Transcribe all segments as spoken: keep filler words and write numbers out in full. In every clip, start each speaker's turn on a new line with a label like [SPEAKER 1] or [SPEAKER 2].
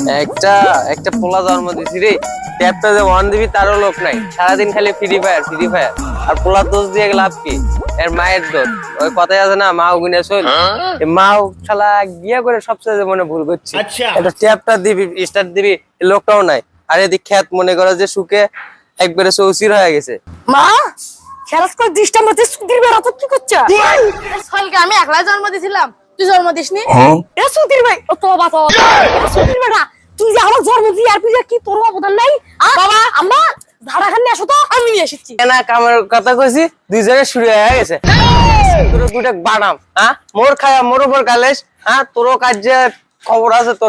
[SPEAKER 1] একটা একটা পোলা জন্ম দিছি রে, ট্যাপটা যে ওয়ান দিবি তারও লোক নাই, সারাদিন খালি ফ্রি ফায়ার ফ্রি ফায়ার। আর পোলা দোষ দিয়ে লাভ কি? এর মায়ের দোষ। ওই কথাই আছে না, মাও গুনে চল, মাও শালা গিয়া করে সবচেয়ে মনে ভুল করছি। এটা ট্যাপটা দিবি, স্টার্ট দিবি, লোকটাও নাই। আর এদিক খেত মনে করো যে সুখে একবারে চৌচির হয়ে গেছে।
[SPEAKER 2] মা খেলাস করে দৃষ্টা মতে সুধীর বেড়া তো কি করছে?
[SPEAKER 3] সলকে আমি একলা জন্ম দিছিলাম, তুই জন্ম দিসনি।
[SPEAKER 2] এ সুধীর ভাই, ও তো বাবা সুধীর বেড়া, তুই যে আমার জন্ম দিয়ে আর তুই যে কি তোর অবদান নাই? বাবা আম্মা ধারা খান আসো তো, আমি নিয়ে এসেছি।
[SPEAKER 1] না কামের কথা কইছি, দুইজনে শুরু হয়ে গেছে। তোর দুইটা বানাম, হ্যাঁ মোর খায়া মোর উপর গালেস, হ্যাঁ তোরও কাজে খবর আছে তোর।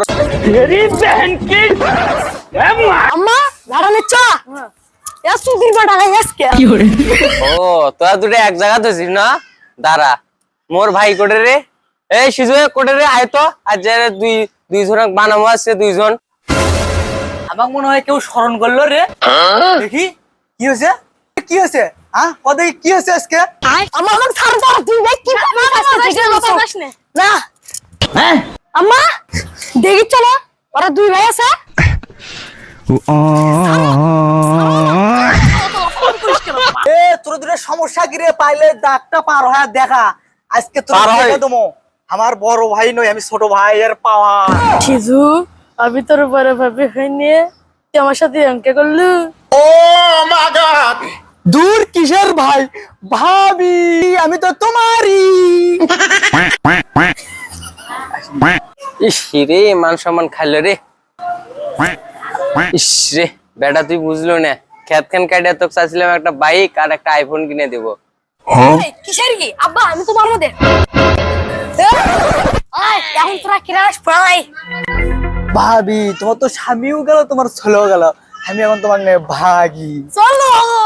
[SPEAKER 2] আম্মা ধারা নিচ্ছ? এ সুধীর বেড়া আজকে
[SPEAKER 1] ও তোরা দুটো এক জায়গা ধরছিস না? দাঁড়া, মোর ভাই কোটে রে, এই সিজু কোটে রে, আয় তো। আর যে দুই দুইজন বানামো আছে দুইজন।
[SPEAKER 4] আমাকে মনে হয় কেউ স্মরণ করলো রে। দেখি কি হয়েছে, কি হয়েছে? হ্যাঁ কত কি হয়েছে আজকে?
[SPEAKER 2] আম্মা আমাকে ছাড় দাও, তুই ভাই কি
[SPEAKER 3] বাতাস নে।
[SPEAKER 2] না
[SPEAKER 4] হ্যাঁ
[SPEAKER 2] আম্মা দেখি চলো, ওরা দুই ভাই আছে।
[SPEAKER 4] এ তোর দুটো সমস্যা কি রে? পাইলে দাগটা পার হয়ে দেখা। আজকে তোর
[SPEAKER 1] পার হয়।
[SPEAKER 4] দেখে দেবো। আমার বড় ভাই নই, আমি ছোট ভাইয়ের পাওয়া।
[SPEAKER 3] শিজু আমি তোর বড় ভাবি হইনি, তুই আমার সাথে অঙ্কে করলু।
[SPEAKER 4] দূর কিসের ভাই, ভাবি আমি তো তোমারই।
[SPEAKER 1] ইস রে, মান সম্মান খাইলো রে। ইস রে বেটা, তুই বুঝলো না, খেত খান কাটিয়া তোকে চাইছিলাম একটা বাইক আর একটা আইফোন কিনে দেবো।
[SPEAKER 2] এই, কিসের কি আব্বা, আমি তো মারবো দে। আয় এখন তোরা কিরাস পাই।
[SPEAKER 4] ভাবি তোমার তো স্বামীও গেল, তোমার ছেলেও গেল, আমি এখন তোমার নিয়ে ভাগি।
[SPEAKER 2] চলো